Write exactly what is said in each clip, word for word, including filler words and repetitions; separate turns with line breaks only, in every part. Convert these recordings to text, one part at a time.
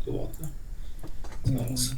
продиктувати. Зараз.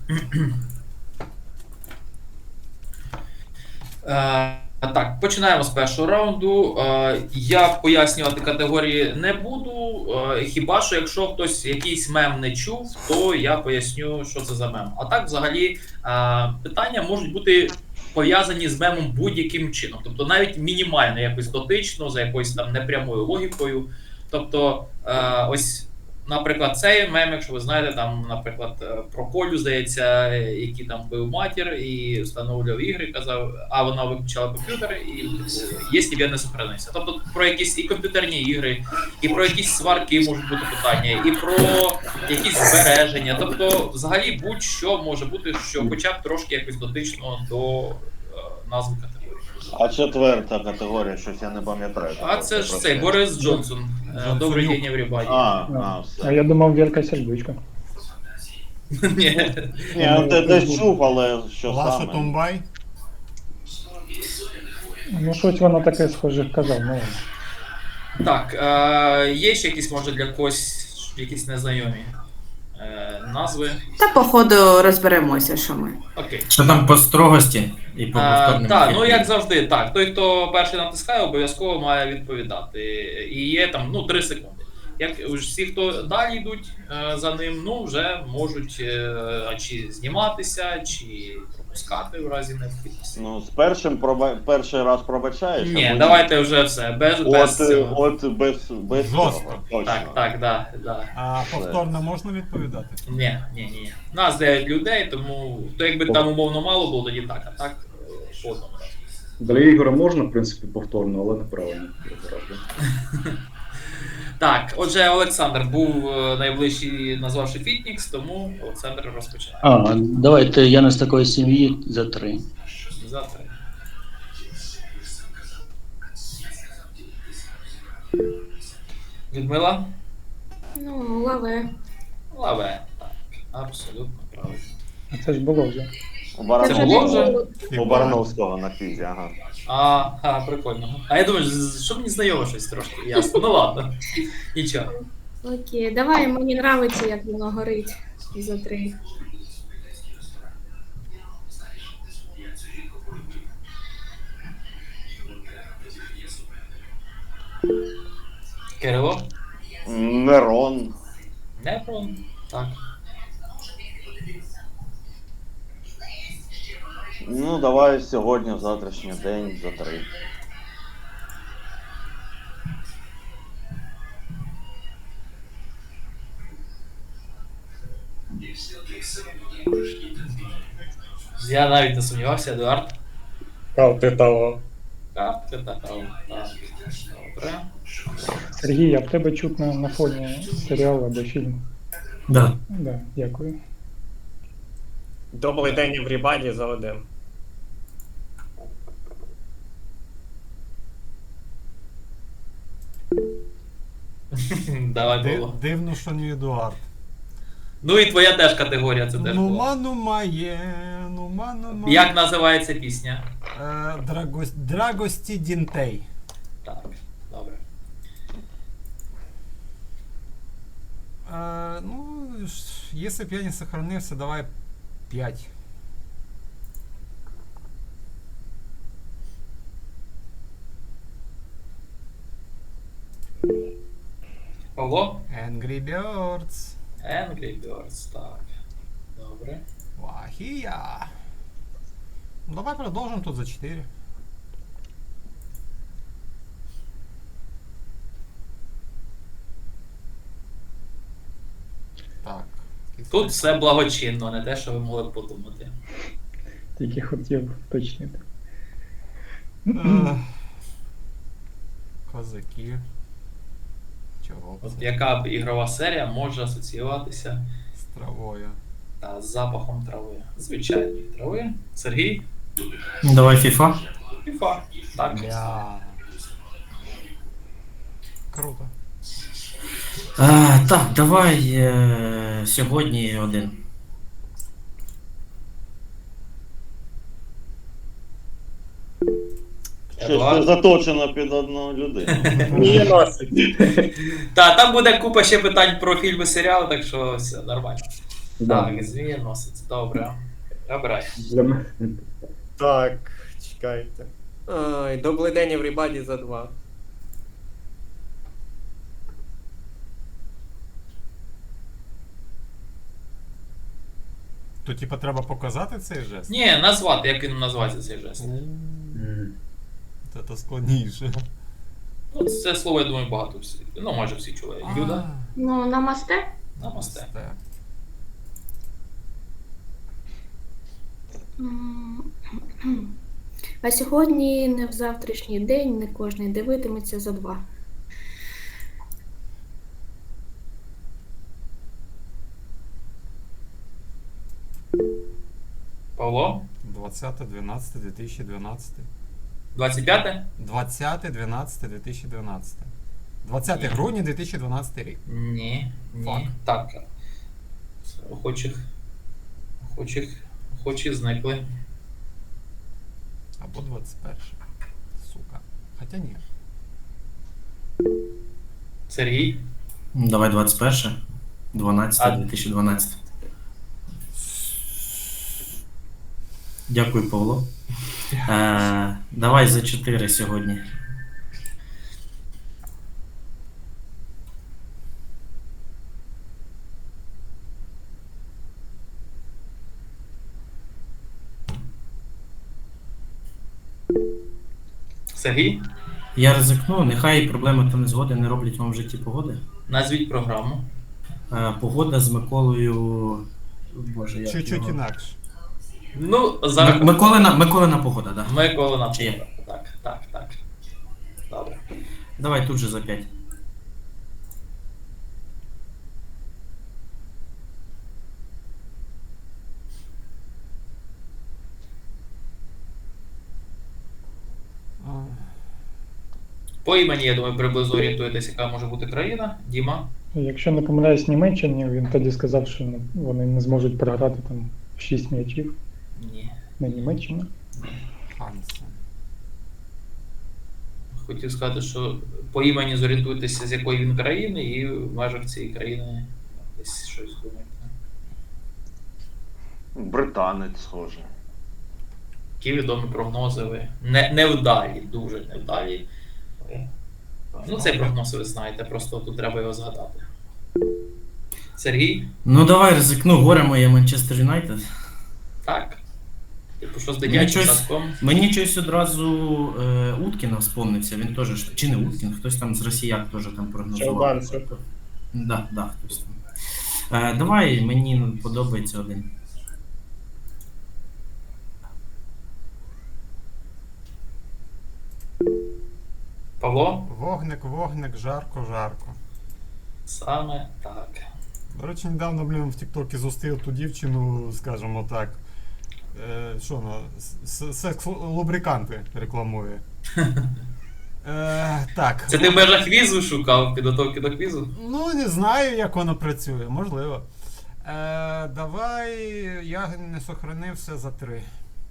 Е, Так, починаємо з першого раунду. Е, Я пояснювати категорії не буду. е, Хіба що якщо хтось якийсь мем не чув, то я поясню, що це за мем. А так, взагалі, е, питання можуть бути пов'язані з мемом будь-яким чином. Тобто навіть мінімально якось дотично, за якоюсь там непрямою логікою. Тобто, е, ось. Наприклад, цей мем, якщо ви знаєте, там, наприклад, про Колю, здається, який там бив матір і встановлював ігри, казав, а вона виключала комп'ютер, і якщо я не сохранився. Тобто про якісь і комп'ютерні ігри, і про якісь сварки можуть бути питання, і про якісь збереження. Тобто, взагалі, будь-що може бути, що хоча б трошки якось дотично до е, назви категорії.
А четверта категорія, щось я не пам'ятаю.
А це ж цей Борис Джонсон. Е, Добрий день, everybody.
А, а,
А
все.
я думав, Вірка Сердючка.
Ні.
Ні, я те- десь чув, але що
Лаша
саме.
Тумбай.
Ну, щось воно таке схоже казав, ну ладно.
Так, е, є ще якісь, може, для когось якісь незнайомі е, назви?
Та походу розберемося, що ми.
Окей.
Що там по строгості і по повторному?
Так, ну
ефіру?
як завжди, так. Той, хто перший натискає, обов'язково має відповідати. І є там ну, три секунди. Як всі, хто далі йдуть е, за ним, ну вже можуть е, чи зніматися, чи пропускати в разі необхідності.
Ну, з першим проба... перший раз пробачаєш. а
Ні,
потім-
давайте вже все, без, без
От,
цього.
от без, без
Жорстко.
цього. Точно.
Так, так, да, да.
А повторно можна відповідати?
Ні, ні, ні. Нас дев'ять людей, тому то якби там умовно мало було, тоді так, а так по одному разу.
Для ігор можна, в принципі, повторно, але неправильно.
Так, отже, Олександр був е, найближчий, назвавши Фітнікс, тому Олександр розпочинає.
А, давайте я не з такої сім'ї за три.
За три. Людмила?
Ну, лаве.
Лаве. Так, абсолютно правильно.
А це ж було вже.
У
Це
Барановського,
було вже?
у Барановського на фізі, ага.
А, а, прикольно. А я думаю, з- що мені знайомо щось трошки. Ясно. Ну ладно. Нічого.
Окей, давай, мені нравиться, як воно горить за три.
Кирило?
Нерон.
Нефрон. Так.
Ну, давай сьогодні, в завтрашній день, за три.
Я навіть не сумнівався, Едуард.
Карти того.
Картки така. Так. Добре.
Сергій, а в тебе чутно на фоні серіалу або фільму.
Да.
Да, дякую.
Добрий день, everybody, за один.
Давай,
Ди-
Павло.
Дивно, що не Едуард.
Ну і твоя теж категорія, це теж було.
Нума, нума є, нума, нума.
Як називається пісня?
Е, Драгос- Драгості Дінтей.
Так, добре.
Е, ну, ш- если б я не сохранився, давай п'ять.
Павло?
Angry Birds.
Angry Birds, так. Добре.
Вахія. Ну, давай продовжим тут за чотири. Так.
Тут все благочинно, не те, що ви могли б подумати.
Тільки хотів уточнити.
Е, Козаки. Чого б
От
це?
яка б ігрова серія може асоціюватися
З травою.
та, з запахом трави? Звичайної трави. Сергій?
Давай FIFA.
FIFA. Так.
Бля. Круто.
А, так, давай е, сьогодні один.
Бачиш,
Едуард.
це заточено під одну людину.
Мені носить.
Та, там буде купа ще питань про фільми, серіали, так що все нормально.
Да.
Так, змієносець, добре. Обирай.
Для мене.
Так, чекайте. Ай, добрий день, everybody за два.
То типа треба показати цей жест?
Ні, назвати, як він називається цей жест.
М.
Це то складніше.
Ну, це слово, я думаю, багато всі. Ну, майже всі чули. Юда,
Ну, намасте.
намасте.
Намасте.
М, А сьогодні не в завтрашній день, не кожен дивитиметься за два.
Павло,
двадцяте дванадцяте дві тисячі дванадцятий.
двадцять п'яте?
двадцяте дванадцяте дві тисячі дванадцятий. двадцяте
Ні.
грудня дві тисячі дванадцятий рік.
Ні, ні.
Фак.
Так. Охочих. Охочих. Охочі зникли.
Або двадцять перше. Сука. Хоча ні.
Сергій.
Давай двадцять перше. дванадцяте дві тисячі дванадцятий. Дякую, Павло. Е, давай за чотири сьогодні.
Сергій.
Я ризикну, нехай проблеми та незгоди не роблять вам в житті погоди.
Назвіть програму.
Е, погода з Миколою. Боже, як
Чуть-чуть
його?
інакше.
Ну,
М-
зараз.
Миколина, Миколина погода, так. Да.
Микола
Чи є?
Напода. Так, так, так. Добре.
Давай тут же за п'ять.
А,
По імені, я думаю, приблизно орієнтуєтесь, яка може бути країна. Діма.
Якщо не помиляюсь Німеччині, він тоді сказав, що ну, вони не зможуть програти там шість м'ячів
Ні.
на Німеччину.
Хансен.
Хотів сказати, що по імені зорієнтуйтеся, з якої він країни, і в межах цієї країни десь щось думайте.
Британець, схоже.
Які відомі прогнози ви? Не, невдалі, дуже невдалі. Ви- Ну, цей прогноз ви знаєте, просто тут треба його згадати. Сергій?
Ну давай ризикну, горе моє Манчестер Юнайтед.
Так. Типу, що з
Мені
дитячим
щось-
садком?
Мені щось одразу е, Уткіна вспомнився, він теж, ж- чи не Уткін, хтось там з росіян теж там прогнозував.
Чолганцев.
Да, да, хтось там. Е, давай, мені подобається один.
Павло?
Вогник, вогник, жарко, жарко.
Саме так.
До речі, недавно, блін, в Тіктокі зустрів ту дівчину, скажімо так. Е, що вона? С- Секс-лубриканти рекламує. Е, так.
Це ти в межах квізу шукав, підготовки до квізу?
Ну, не знаю, як воно працює, можливо. Е, давай, я не сохранився за три.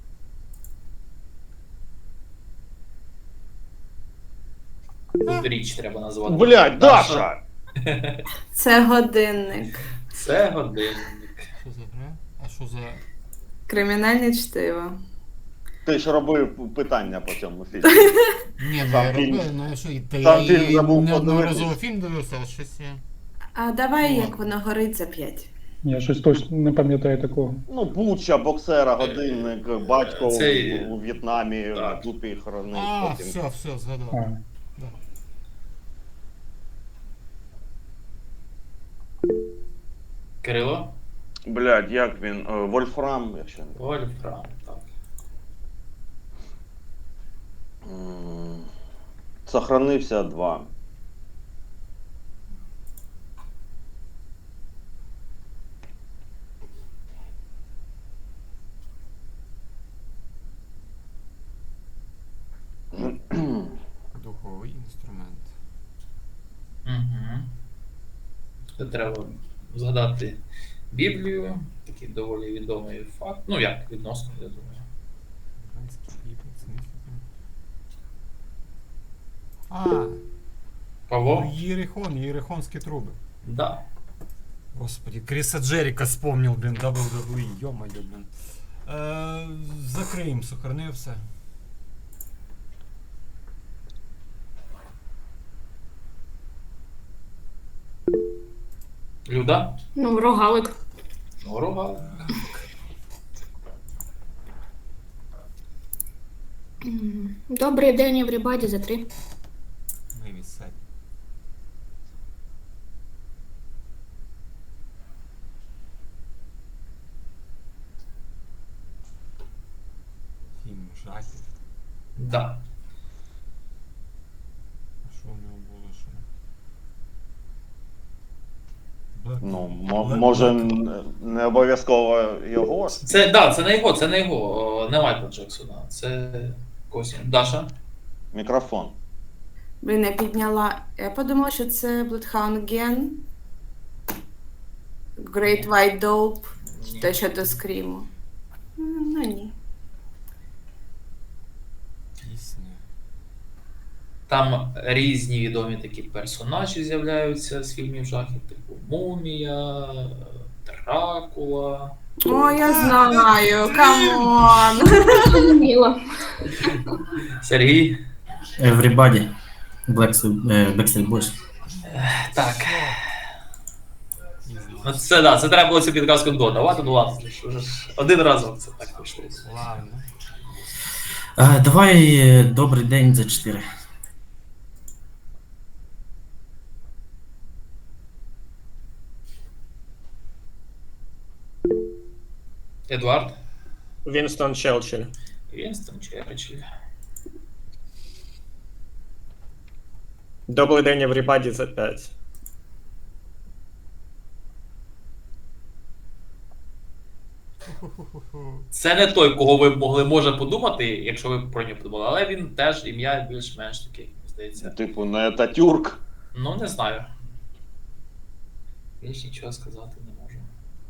Тут річ треба назвати.
Блять, Даша!
Це годинник.
Це годинник.
Що за гра? А що за.
Кримінальне чтиво.
Ти ж робив питання по цьому фільму.
Ні, ну
Сам
я
фільм.
робив, ну я що, і та
Сам
я
фільм
і
забув
неодноразово
подивитись.
фільм дивився, а щось я.
А давай,
О.
як воно горить за п'ять.
Я щось точно не пам'ятаю такого.
Ну, Буча, боксера, годинник, батько
Це-
у, у В'єтнамі
Так.
на дупі хоронив.
А,
потім.
все, все, згадав.
А,
Кирило?
Блядь, як він? Е, Вольфрам, якщо не
Вольфрам, так.
М, Сохранився два.
Духовий інструмент.
Угу. Тут треба згадати Біблію, такий доволі відомий факт. Ну як, відносно, я думаю.
Іранський бібл, це не фільм. А,
Павло?
ну, Єрихон, Єрихонські труби.
Да.
Господи, Криса Джеріка вспомнил, блін, дабл ю дабл ю і, ё-моё, блін. Е, закриємо, сохранив все.
Люда?
Ну, рогалик.
Ну, рога.
М, Добрий день, everybody, за три.
Ми відсадь. Фільм жахів.
Да.
А що в нього було ще? Black-
Ну, мо-
Black-
може,
Black-
н- не обов'язково його.
Це, да, це не його, це не його, о, не Майкла Джексона. Це когось. Даша?
Мікрофон.
Блін, я підняла. Я подумала, що це Bloodhound Gang. Great White Dope.
Ні.
Те, що до скріму. М, Ну ні.
Пісня.
Там різні відомі такі персонажі з'являються з фільмів жахів, типу Мумія, Дракула.
О, я знаю, камон.
Зрозуміло.
Сергій?
Everybody. Black, е, Backstreet Boys.
Так. Ну це да, це треба було цю підказку додавати, ну ладно, що ж, один разок це так вийшло.
Ладно.
Е, давай е, добрий день за чотири.
Едуард?
Вінстон Челчилль.
Вінстон Черчилль.
Добрий день, everybody, за п'ять.
Це не той, кого ви могли може подумати, якщо ви про нього подумали, але він теж ім'я більш-менш таке, здається.
Типу, не Татюрк.
Ну, не знаю. Більш нічого сказати не можу.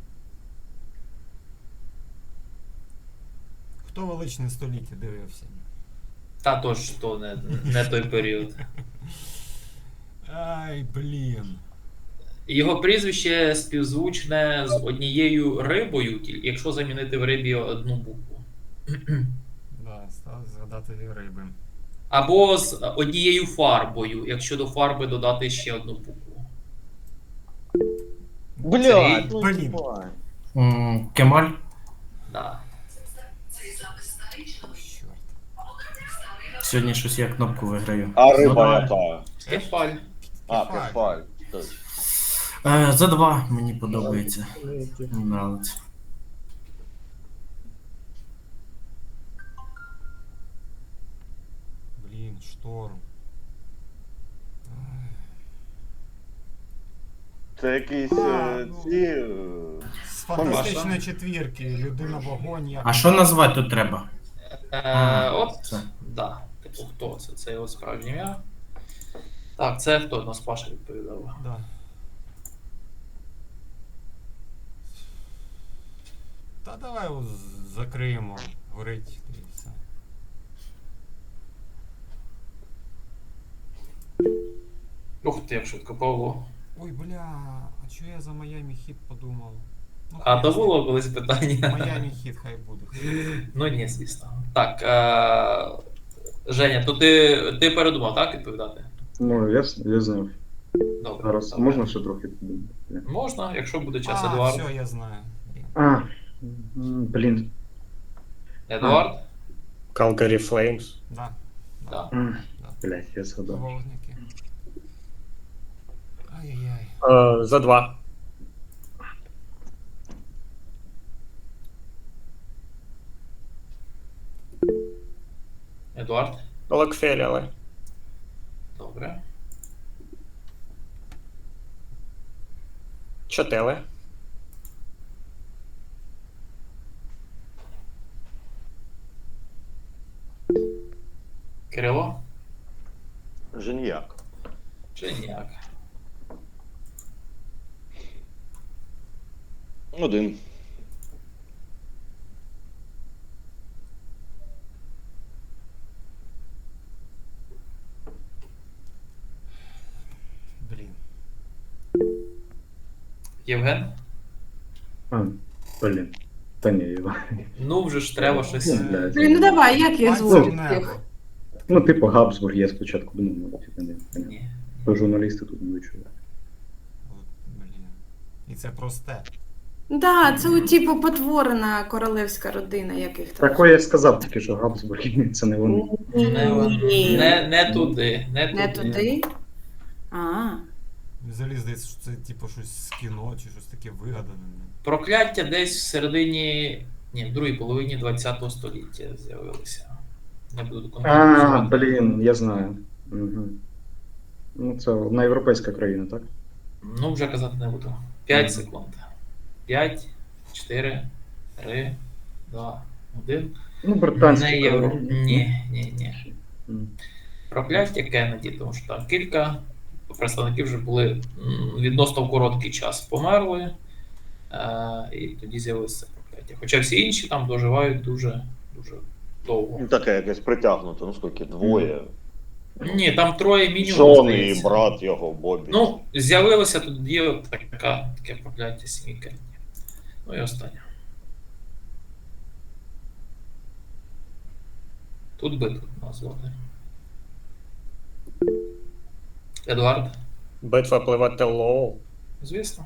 Хто величне століття дивився?
Та то ж то не, не той період.
Ай, блін.
Його прізвище співзвучне з однією рибою, тільки якщо замінити в рибі одну букву.
Да, став згадати риби.
Або з однією фарбою, якщо до фарби додати ще одну букву.
Блядь, ну
Блін.
їбать.
М, Кемаль.
Да.
Чорт.
Сьогодні щось я кнопку виграю.
А
За
риба
два.
яка?
Кефаль.
А,
Кефаль.
кефаль. Точно.
Е, за два мені подобається. Мені нравиться.
Блін, шторм. Ай.
Це якісь
А,
е,
ну.
ці. е,
З фантастичної четвірки, людина вогонь, як.
А що назвати тут треба?
Е,
А,
от,
це.
да. Типу, хто це? Це його справжнє ім'я. Так, це хто? Нас Паша відповідав.
Да. Та давай його з- закриємо. Горить і все.
Ух ти, як швидко, Павло.
Ой, бля, а чого я за Майами Хіт подумав? Ну,
А
хай
то
з-
було колись питання.
Майами Хіт хай буде.
Ну ні, звісно. Так. Е- Женя, то ти, ти передумав, так, відповідати?
Ну, я, с- я знав.
Добре.
Зараз
добре.
можна ще трохи подумати?
Можна, якщо буде час,
А,
Едуард.
все, я знаю. Блін.
А, м, блін.
Едуард?
Calgary Flames.
Да.
Да.
М,
Да.
Блядь, я згадав.
Вогники. Ай-яй-яй.
Е, за два.
Едуард?
Локфеллери.
Добре.
Чотели.
Кирило?
Женьяк.
Женяк.
Один.
Євген?
А, блін. Та ні, його.
Ну, вже ж треба щось.
Ну, блядь.
Блін, ну давай, як я
Пальцем
звучу
небо.
їх?
Ну, типу, Габсбург, я спочатку думав, ну, типу, не, не.
Ні.
То журналісти тут не вичули.
От, блін. І це просте.
Да, це у типу потворена королевська родина, яких там.
Такое я сказав тільки, що Габсбург, це не вони.
Не,
Ні.
не, не туди. Не,
Не
туди.
туди? А,
Взагалі здається, що це типу щось з кіно чи щось таке вигадане.
Прокляття десь всередині. Ні, в другій половині ХХ століття з'явилися. Не буду
А,
конкретно.
блін, я знаю. Угу. Ну, це одна європейська країна, так?
Ну, вже казати не буду. п'ять
Мгм.
секунд. п'ять, чотири, три, два, один.
Ну, британська
Не євро.
країна.
Ні, ні, ні.
М.
Прокляття Кеннеді, тому що там кілька представників вже були м, відносно в короткий час померли, е, і тоді з'явилося це прокляття. Хоча всі інші там доживають дуже, дуже довго.
Ну, таке якесь притягнуто, ну скільки, двоє.
Ні, там троє мінімум.
Джон і
здається.
брат його, Бобі.
Ну, з'явилося тоді от така, таке прокляття сім'ї Кеннеді. Ну і останнє. Тут би тут назвати. Едуард,
Битва пливателлоу.
звісно.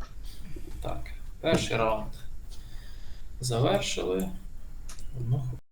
Так, перший раунд завершили. Одну